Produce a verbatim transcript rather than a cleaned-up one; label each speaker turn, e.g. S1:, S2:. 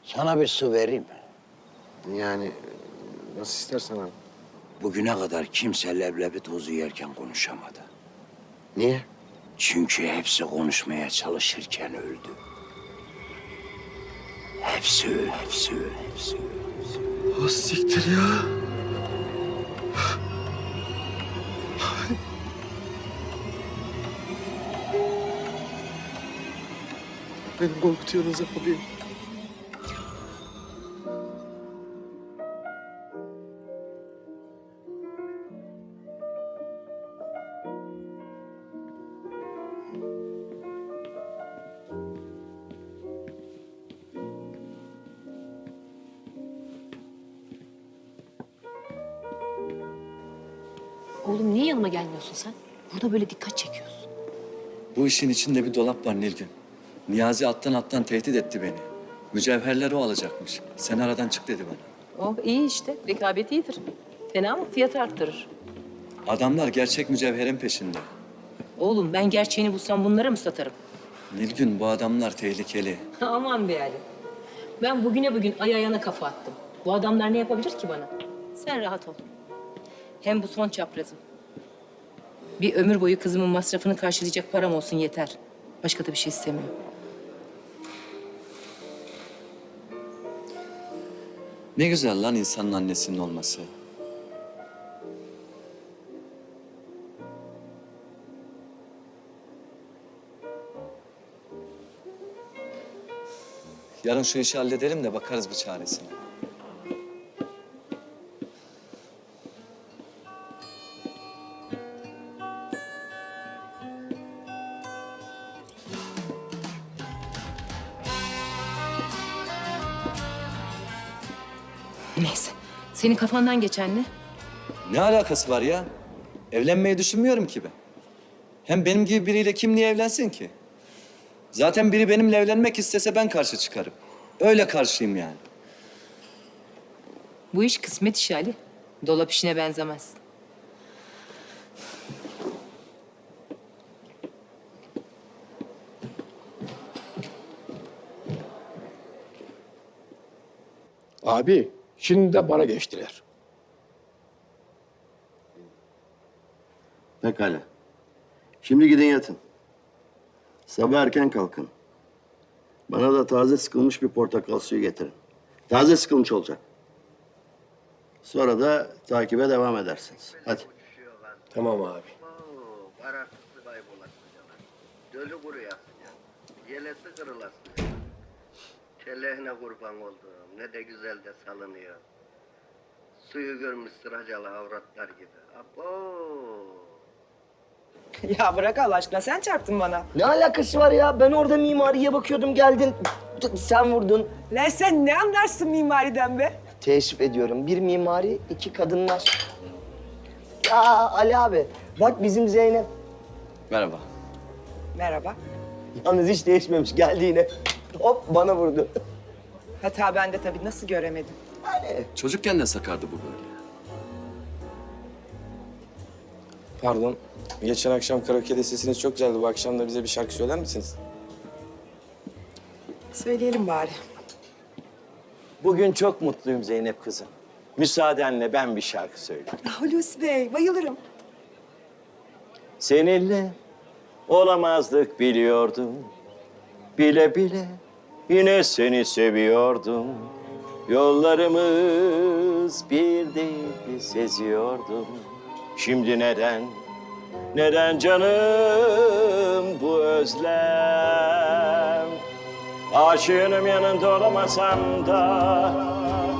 S1: Sana bir su vereyim mi?
S2: Yani nasıl istersen abi.
S1: Bugüne kadar kimse leblebi tozu yerken konuşamadı.
S2: Niye?
S1: Çünkü hepsi konuşmaya çalışırken öldü. Hepsi öl, hepsi öl, hepsi öl, hepsi öl.
S2: Ha siktir ya. Beni korkutuyorsunuz abi.
S3: Oğlum niye yanıma gelmiyorsun sen? Burada böyle dikkat çekiyorsun.
S4: Bu işin içinde bir dolap var Nilgün. Niyazi alttan alttan tehdit etti beni. Mücevherleri o alacakmış. Sen aradan çık dedi bana.
S3: Oh iyi işte. Rekabet iyidir. Fena mı? Fiyatı arttırır.
S4: Adamlar gerçek mücevherin peşinde.
S3: Oğlum ben gerçeğini bulsam bunlara mı satarım?
S4: Nilgün bu adamlar tehlikeli.
S3: Aman be Ali. Ben bugüne bugün ay ayağına kafa attım. Bu adamlar ne yapabilir ki bana? Sen rahat ol. Hem bu son çaprazım. Bir ömür boyu kızımın masrafını karşılayacak param olsun yeter. Başka da bir şey istemiyorum.
S4: Ne güzel lan insanın annesinin olması. Yarın şu işi halledelim de bakarız bir çaresine.
S3: Neyse. Senin kafandan geçen ne?
S4: Ne alakası var ya? Evlenmeyi düşünmüyorum ki ben. Hem benim gibi biriyle kim niye evlensin ki? Zaten biri benimle evlenmek istese ben karşı çıkarım. Öyle karşıyım yani.
S3: Bu iş kısmet işi Ali. Dolap işine benzemez.
S5: Abi, şimdi de bana geçtiler.
S2: Pekala. Şimdi gidin yatın. Sabah erken kalkın. Bana da taze sıkılmış bir portakal suyu getirin. Taze sıkılmış olacak. Sonra da takibe devam edersiniz. Hadi.
S5: Tamam abi.
S2: Karartısı kaybolasın. Dölü kuruyasın ya. Yelesi kırılasın. Kellehine kurban oldum. Ne de güzel de salınıyor. Suyu görmüş sıracalı avratlar gibi. Abo.
S6: Ya bırak Allah aşkına, sen çarptın bana.
S7: Ne alakası var ya? Ben orada mimariye bakıyordum, geldin. Sen vurdun.
S6: Lan sen ne anlarsın mimariden be?
S7: Teessüf ediyorum. Bir mimari, iki kadınlar. Ya Ali abi, bak bizim Zeynep.
S4: Merhaba.
S6: Merhaba.
S7: Yalnız hiç değişmemiş. Geldi yine. Hop bana vurdu.
S6: Hata bende tabii, nasıl göremedim?
S7: Yani
S4: Çocukken de sakardı bu böyle.
S8: Pardon. Geçen akşam karaoke'de sesiniz çok güzeldi. Bu akşam da bize bir şarkı söyler misiniz?
S6: Söyleyelim bari.
S9: Bugün çok mutluyum Zeynep kızım. Müsaadenle ben bir şarkı söyleyeyim.
S6: Hulusi Bey, bayılırım.
S9: Seninle olamazdık biliyordum. Bile bile yine seni seviyordum. Yollarımız bir değildi seziyordum. Şimdi neden, neden canım bu özlem? Aşığınım yanında olamasam da